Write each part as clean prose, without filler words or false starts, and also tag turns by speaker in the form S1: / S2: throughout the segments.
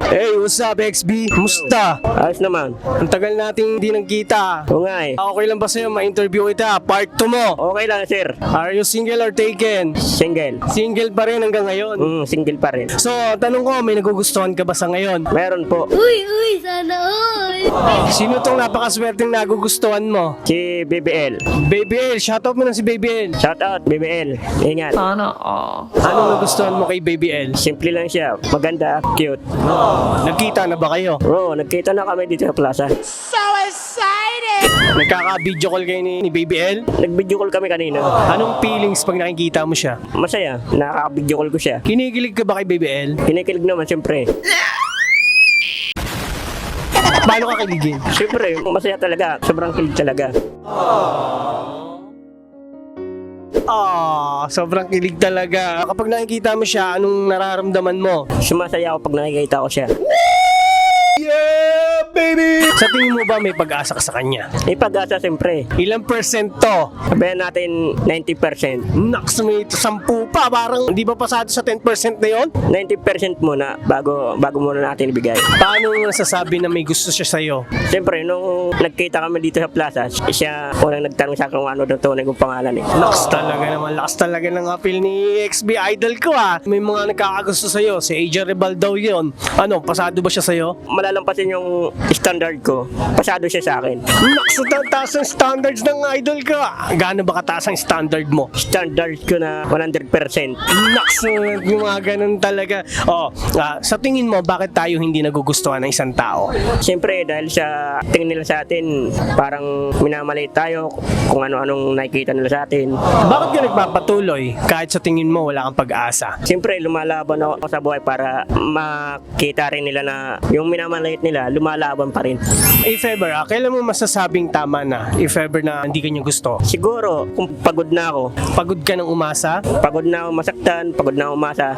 S1: Hey, what's up, XB? Musta?
S2: Ayos naman.
S1: Ang tagal nating hindi nagkita.
S2: Oo nga eh.
S1: Okay lang ba sa'yo ma-interview kita? Part 2 mo.
S2: Okay lang sir.
S1: Are you single or taken?
S2: Single.
S1: Single pa rin hanggang ngayon.
S2: Single pa rin.
S1: So, tanong ko, may nagugustuhan ka ba sa ngayon?
S2: Meron po.
S3: Uy, sana all.
S1: Sino tong napakaswerteng nagugustuhan mo?
S2: Si BBL.
S1: Baby L, shoutout mo na si Baby L.
S2: Shout out BBL. Ingat.
S1: Anong nagustuhan mo kay Baby L?
S2: Simple lang siya. Maganda. Cute.
S1: Nagkita na ba kayo?
S2: Bro, nagkita na kami dito sa plaza.
S1: Nagkaka-video call kayo ni Baby L?
S2: Nag-video call kami kanina.
S1: Anong feelings pag nakikita mo siya?
S2: Masaya. Nakaka-video call ko siya.
S1: Kinikilig ka ba kay Baby L?
S2: Kinikilig naman siyempre.
S1: Paano ka kiligin?
S2: Siyempre, masaya talaga. Sobrang kilig talaga.
S1: Sobrang kilig talaga. Kapag nakikita mo siya, anong nararamdaman mo?
S2: Sumasaya ako pag nakikita ko siya.
S1: Yeah, baby! Sa tingin mo ba may pag-asa ka sa kanya?
S2: May pag-asa siyempre.
S1: Ilang percent to?
S2: Sabihin natin 90%.
S1: Naks, may 10 pa. Parang hindi ba pasado sa 10% na yon?
S2: 90% muna bago muna natin ibigay.
S1: Paano mo nasasabi na may gusto siya sa'yo?
S2: Siyempre, nung nagkita kami dito sa plaza, siya unang nagtanong sa akin kung ano daw tunay kong pangalan eh.
S1: Lakas talaga naman. Lakas talaga ng appeal ni XB Idol ko may mga nagkakagusto sa'yo. Si AJ Rebal daw yun. Ano, pasado ba siya sa'yo?
S2: Malalampasin yung standard ko. Pasado siya sa akin.
S1: Naks, taas ang standards ng idol ko. Gaano ba kataas ang standard mo?
S2: Standard ko na 100%.
S1: Naks, yung mga ganun talaga. Sa tingin mo, bakit tayo hindi nagugustuhan ng isang tao?
S2: Siyempre, dahil sa tingin nila sa atin, parang minamaliit tayo kung ano-anong nakikita nila sa atin.
S1: Bakit ka nagpapatuloy kahit sa tingin mo wala kang pag-asa?
S2: Siyempre, lumalaban ako sa buhay para makita rin nila na yung minamaliit nila, lumalaban pa rin.
S1: If ever, kailan mo masasabing tama na? If ever na hindi ka niya gusto?
S2: Siguro, kung pagod na ako,
S1: Pagod ka ng umasa?
S2: pagod na ako masaktan, pagod na ako umasa,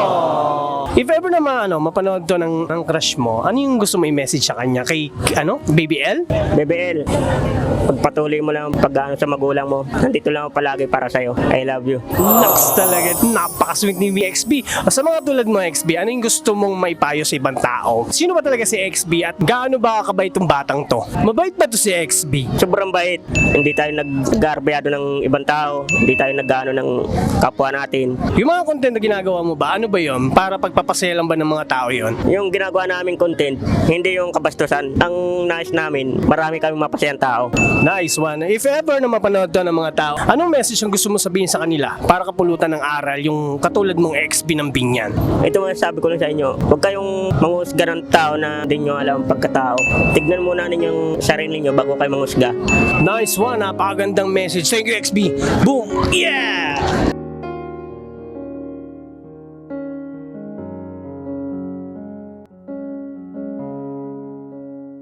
S1: If ever na mapanood to ng crush mo, ano yung gusto mo i-message sa kanya? Kay, Baby L?
S2: BBL, pagpatuloy mo lang pag-ano sa magulang mo, nandito lang ako palagi para sa'yo. I love you.
S1: Naks talaga, napaka-sweet ni XB. Sa mga tulad mo, XB, ano yung gusto mong maipayo sa ibang tao? Sino ba talaga si XB at gaano ba kabait tong batang to? Mabait ba to si XB?
S2: Sobrang bait. Hindi tayo nag-garbeyado ng ibang tao. Hindi tayo nag-ano ng kapwa natin.
S1: Yung mga content na ginagawa mo ba, ano ba yun? Para pagpapasaya lang ba ng mga tao yun?
S2: Yung ginagawa naming content, hindi yung kabastusan. Ang nais namin, marami kaming mapasayang tao.
S1: Nice one. If ever na mapanood to ng mga tao, anong message ang gusto mo sabihin sa kanila para kapulutan ng aral yung katulad mong XB ng Binyan?
S2: Ito mga sabi ko lang sa inyo, huwag kayong manghusga ng tao na hindi nyo alam ang pagkatao. Tignan muna ninyong sarili nyo bago kayo manghusga.
S1: Nice one. Napakagandang message. Thank you, XB. Boom! Yeah!